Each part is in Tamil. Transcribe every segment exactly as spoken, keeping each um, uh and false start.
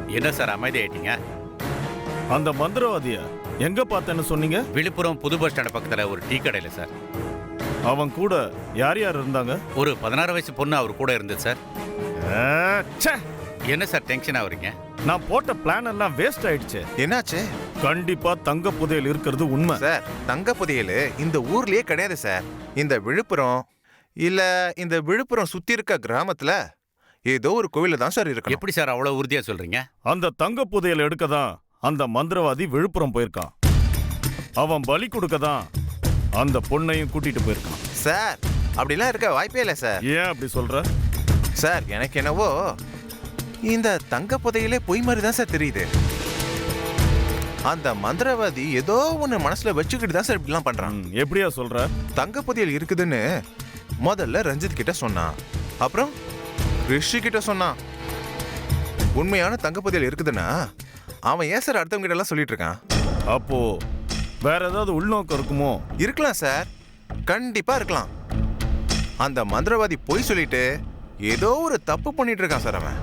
என்ன சார் அமைதி ஆயிட்டீங்க? அந்த மந்திரவாதிய எங்க பார்த்தேன்னு சொன்னீங்க? விழுப்புரம் புது பஸ் ஸ்டாண்ட் பக்கத்துல ஒரு டீ கடையில சார். அவன் கூட யார் யார் இருந்தாங்க? ஒரு பதினாறு வயசு பொண்ணு அவர் கூட இருந்தது சார். ஆ, ச்சே. என்ன சார் டென்ஷன் ஆகுறீங்க? நான் போட்ட பிளான் எல்லாம் வேஸ்ட் ஆயிடுச்சு. என்னாச்சு கண்டிப்பா தங்க புதையல் இருக்கிறது உண்மை சார்? தங்க புதையல் இந்த ஊர்லயே கிடையாது சார். இந்த விழுப்புரம் இல்ல இந்த விழுப்புரம் சுத்தி இருக்க கிராமத்துல ஏதோ ஒரு கோவில தான் சார் இருக்கு. எப்படி சார் அவ்வளவு உறுதியா சொல்றீங்க? அந்த தங்க புதையல் எடுக்க தான் அந்த மந்திரவாதி விழுப்புரம் போயிருக்கான். அவன் பலி கொடுக்க தான் அந்த பொண்ணையும் கூட்டிட்டு போயிருக்கான். சார் அப்படிலாம் இருக்க வாய்ப்பே இல்லை சார். ஏன் அப்படி சொல்ற? சார் எனக்கு என்னவோ இந்த தங்க புதையலே பொய் மாதிரி தான் சார் தெரியுது. அந்த மந்திரவாதி ஏதோ ஒன்று மனசுல வச்சுக்கிட்டு தான் சார் இப்படிலாம் பண்றான். ம், எப்படியா சொல்ற? தங்க புதையல் இருக்குதுன்னு முதல்ல ரஞ்சித் கிட்ட சொன்னான், அப்புறம் ரிஷி கிட்ட சொன்னான். உண்மையான தங்க புதையல் இருக்குதுன்னா அவன் ஏன் சார் அடுத்தவங்க கிட்ட எல்லாம் சொல்லிட்டு இருக்கான்? அப்போ வேற ஏதாவது உள்நோக்கம் இருக்குமோ? இருக்கலாம் சார், கண்டிப்பா இருக்கலாம். அந்த மந்திரவாதி பொய் சொல்லிட்டு ஏதோ ஒரு தப்பு பண்ணிட்டு இருக்கான் சார் அவன்.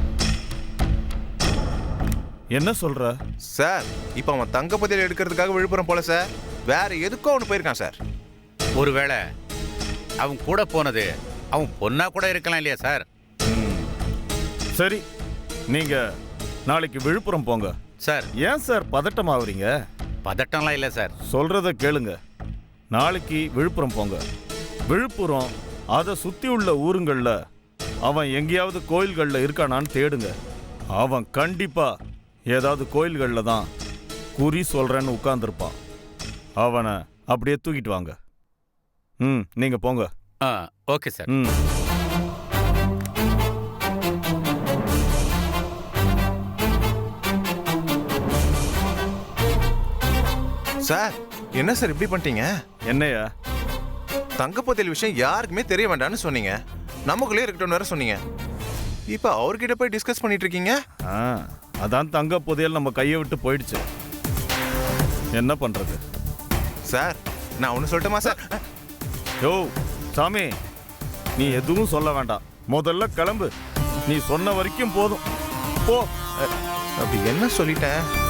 என்ன சொல்ற? சார் இப்ப அவன் தங்க புதையல் எடுக்கிறதுக்காக விழுப்புரம் போல சார், வேற எதுக்கோ அவனு போயிருக்கான் சார். ஒருவேளை அவன் கூட போனது அவன் பொண்ணா கூட இருக்கலாம் இல்லையா சார்? சரி, நீங்க நாளைக்கு விழுப்புரம் போங்க. சார் ஏன் சார் பதட்டமாகறீங்க? பதட்டம்லாம் இல்லை சார். சொல்றத கேளுங்க. நாளைக்கு விழுப்புரம் போங்க. விழுப்புரம் அதை சுத்தி உள்ள ஊருங்கள்ல அவன் எங்கேயாவது கோயில்கள்ல இருக்கானான்னு தேடுங்க. அவன் கண்டிப்பா ஏதாவது கோயில்கள்ல தான் குறி சொல்றேன்னு உட்கார்ந்துருப்பான். அவனை அப்படியே தூக்கிட்டு வாங்க. ம், நீங்க போங்க. ஆ ஓகே சார். ம். சார் என்ன சார் இப்படி பண்ணிட்டீங்க? என்னையா? தங்க புதையல் விஷயம் யாருக்குமே தெரிய வேண்டாம்னு சொன்னீங்க, நமக்குள்ளே இருக்கட்டும் வேற சொன்னீங்க. இப்ப அவர்கிட்ட போய் டிஸ்கஸ் பண்ணிட்டு இருக்கீங்க. ஆ, அதான் தங்க புதையல் நம்ம கையை விட்டு போயிடுச்சு. என்ன பண்றது? சார் நான் ஒண்ணு சொல்லட்டுமா சார்? யோ சாமி, நீ எதுவும் சொல்ல வேண்டாம். முதல்ல கிளம்பு. நீ சொன்ன வரைக்கும் போதும். போ. அப்படி என்ன சொல்லிட்டேன்?